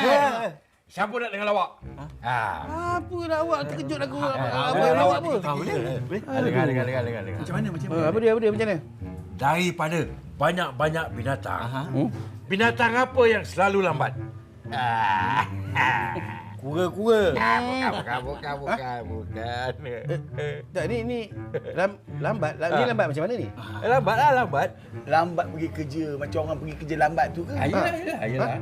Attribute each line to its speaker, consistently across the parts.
Speaker 1: Siapa nak dengan lawak?
Speaker 2: Apa nak awak terkejut aku?
Speaker 1: Lawak apa? Dengar.
Speaker 3: Macam mana?
Speaker 2: Apa dia macam mana?
Speaker 1: Daripada banyak-banyak binatang. Binatang apa yang selalu lambat?
Speaker 2: Kura-kura.
Speaker 1: Bukan.
Speaker 2: Tak, ni lambat. Ni lambat macam mana ni?
Speaker 1: Lambat.
Speaker 3: Lambat pergi kerja. Macam orang pergi kerja lambat tu ke?
Speaker 1: Ayolah.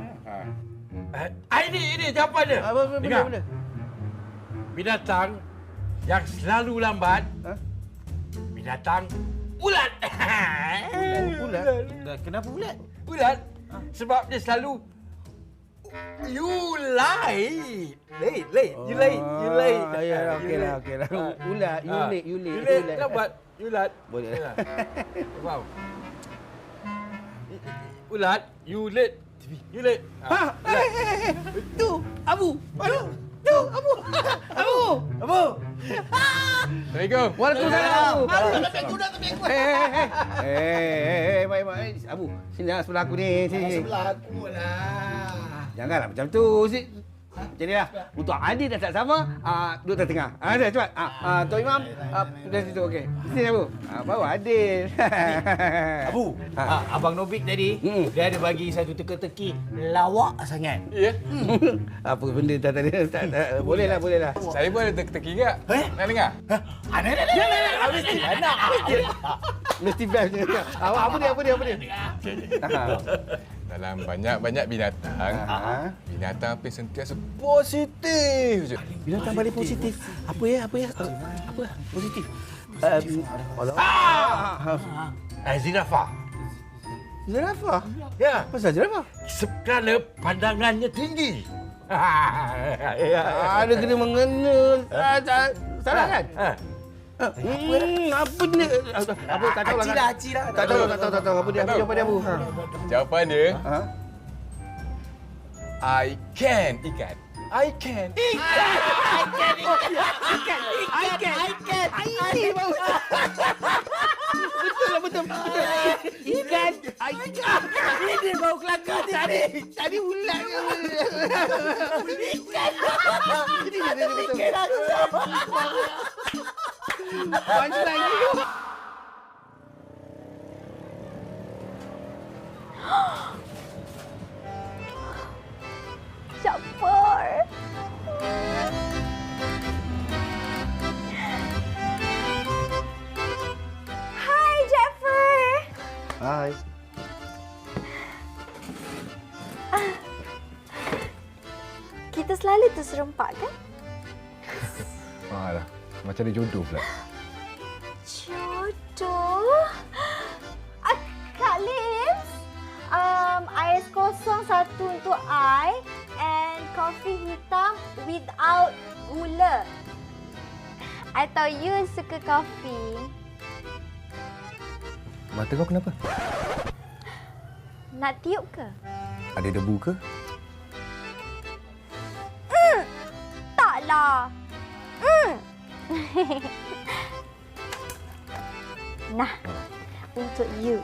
Speaker 1: Ini jawapan dia.
Speaker 2: Apa
Speaker 1: Dengar.
Speaker 2: benda?
Speaker 1: Binatang yang selalu lambat. Binatang ulat.
Speaker 2: Ulat. Kenapa ulat?
Speaker 1: Ulat. Sebab dia selalu you late. You late.
Speaker 2: Ya, okeylah. Ulat, you late.
Speaker 1: Lambat. Ulat.
Speaker 2: Boleh.
Speaker 1: Wow. Ulat, you late.
Speaker 2: Tu, Abu. Tu, Abu.
Speaker 1: Assalamualaikum.
Speaker 2: Waalaikumsalam.
Speaker 3: Kuda tu aku.
Speaker 2: Baik. Abu, sini sebelah aku ni. Sini.
Speaker 3: Sebelah aku lah.
Speaker 2: Janganlah macam tu. Macam ni lah. Untuk adil dan tak sama, duduk tengah. Dah, cepat. Tok Imam, dari situ, okey. Sini, Abu. Baru adil.
Speaker 3: Abu, Abang Nobik tadi, dia ada bagi satu teka-teki lawak sangat.
Speaker 1: Ya.
Speaker 2: Apa benda tadi? Boleh lah.
Speaker 1: Saya pun ada teka-teki enggak? Nak dengar?
Speaker 2: Mesti best je. Apa dia?
Speaker 1: Dalam banyak-banyak binatang, binatang apa yang sentiasa positif je.
Speaker 2: Binatang paling positif. Apa ya? Apa positif?
Speaker 1: Zirafah.
Speaker 2: Zirafah?
Speaker 1: Ya,
Speaker 2: Pasal zirafah?
Speaker 1: kerana pandangannya tinggi.
Speaker 2: Ada kena mengena. Salah kan? Apa ni? Apa tak tahu lah.
Speaker 3: Haci lah.
Speaker 2: Tak tahu. Apa dia? Abu?
Speaker 1: Jawapan dia, I can ikan. I can.
Speaker 2: Betul. Ikan. Ini bau kelakar tadi ulat. Ikan. Ini betul. Punchline ni.
Speaker 4: Jafar. Hai, Jafar.
Speaker 2: Hai.
Speaker 4: Kita selalu terserempak, kan?
Speaker 1: Alah, macam ada jodoh pula.
Speaker 4: Jodoh? Kak Lim, ais kosong satu untuk I and kopi hitam without gula. I tahu you suka kopi.
Speaker 1: Mata kau kenapa?
Speaker 4: Nak tiup ke?
Speaker 1: Ada debu ke?
Speaker 4: Taklah. Nah, untuk you.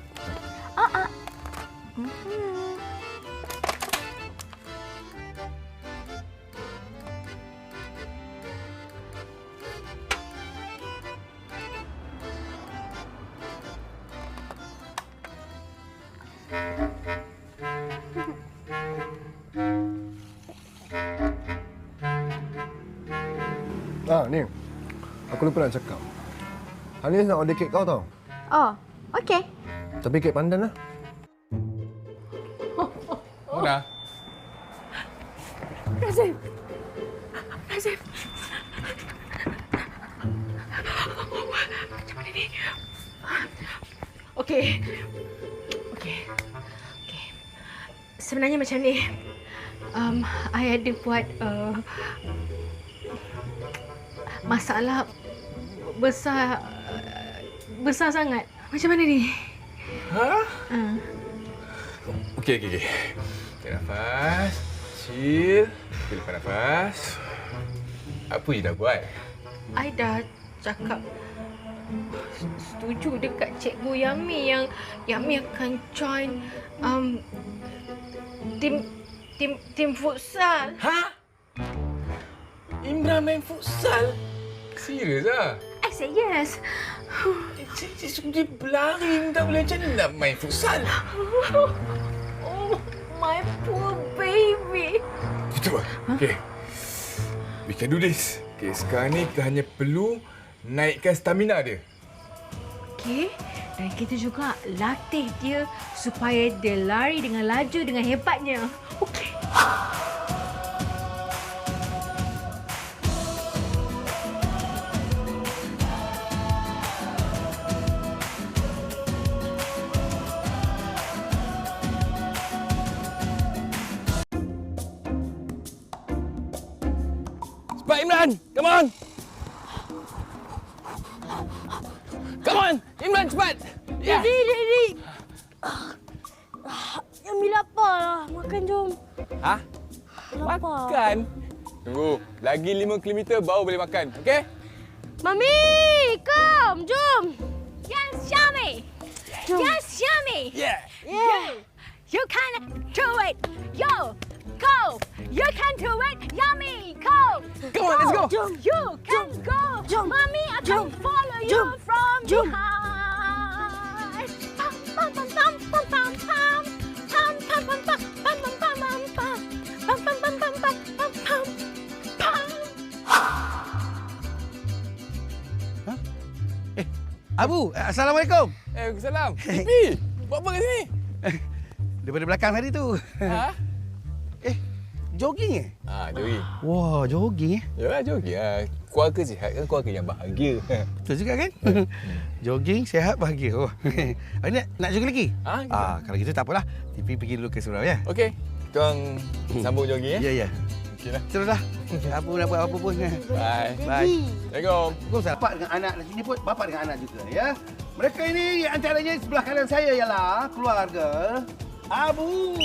Speaker 5: Ni. Aku lupa nak cakap. Hanis nak order kek kau tau.
Speaker 4: Oh, okey.
Speaker 5: Tapi kek pandan lah.
Speaker 1: Mona.
Speaker 4: Razif.
Speaker 6: Macam mana ni? Okey. Sebenarnya macam ni. I ada buat masalah besar sangat. Macam mana ni?
Speaker 1: Okey. Tarik nafas. Chill. Lepas nafas. Apa you dah buat?
Speaker 6: I dah cakap setuju dekat Cikgu Yami yang Yami akan join tim Tim futsal.
Speaker 3: Ha? Imran main futsal?
Speaker 1: Serius lah?
Speaker 6: I said yes.
Speaker 3: Dia berlari tak boleh macam mana nak main futsal?
Speaker 6: Oh, my poor baby.
Speaker 1: Itu lah. Okay. We can do this. Okay, sekarang ni kita hanya perlu naikkan stamina dia.
Speaker 6: Okey. Dan kita juga latih dia supaya dia lari dengan laju dengan hebatnya. Okey.
Speaker 1: Cepat Imran! Come on! Come on! Imran cepat! Ya!
Speaker 4: Daddy. Yummy lapar lah. Makan jom.
Speaker 1: Ha?
Speaker 4: Lapar.
Speaker 1: Makan? Tunggu. Lagi 5 kilometer baru boleh makan. Okey?
Speaker 4: Mami, come. Jom.
Speaker 6: Yes, Yummy.
Speaker 4: Jom.
Speaker 6: Yes, Yummy.
Speaker 1: Yeah!
Speaker 6: You can do it. Yo, go. You can do it. Yummy, go.
Speaker 1: Come on, let's go!
Speaker 4: Jom.
Speaker 6: You can go.
Speaker 4: Jom.
Speaker 6: Mommy, I
Speaker 4: Jom.
Speaker 6: can follow you
Speaker 4: Jom.
Speaker 6: from
Speaker 4: Jom.
Speaker 6: behind. Pam, pam, pam, pam, pam, pam. Pam, pam, pam, pam, pam, pam, pam, pam, pam. Pam, pam, pam, pam, pam, pam, pam. Pam.
Speaker 2: Abu, Assalamualaikum.
Speaker 1: Salam. Pipi! Buat apa kat sini?
Speaker 2: Daripada belakang tadi tu.
Speaker 1: Ha?
Speaker 2: Jogging
Speaker 1: Jogging.
Speaker 2: Wah, jogging
Speaker 1: Yalah, jogging lah. Keluarga sihat kan keluarga yang bahagia.
Speaker 2: Betul juga kan? Jogging, sihat, bahagia. Oh. Nak jogging lagi? Kalau gitu tak apalah. Tipi pergi dulu ke surau ya.
Speaker 1: Okey. Kita orang sambung jogging
Speaker 2: Ya, ya.
Speaker 1: Okeylah.
Speaker 2: Teruslah. Apa nak buat apa pun.
Speaker 1: Bye.
Speaker 2: Bye.
Speaker 1: Assalamualaikum.
Speaker 2: Waalaikumsalam. Bapak dengan anak di sini pun bapak dengan anak juga ya. Mereka ini antaranya sebelah kanan saya ialah keluarga Abu.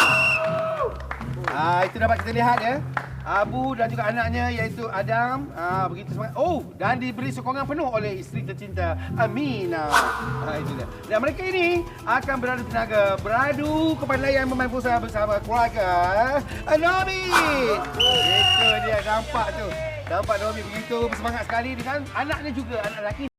Speaker 2: Itu dapat kita lihat ya. Abu dan juga anaknya iaitu Adam. Begitu semangat. Oh, dan diberi sokongan penuh oleh isteri tercinta Amina. Itu dia. Dan mereka ini akan beradu tenaga beradu kepandaian memain futsal bersama keluarga Nomi. Itu dia nampak tu. Nampak Nomi begitu bersemangat sekali dengan anaknya juga, anak lelaki.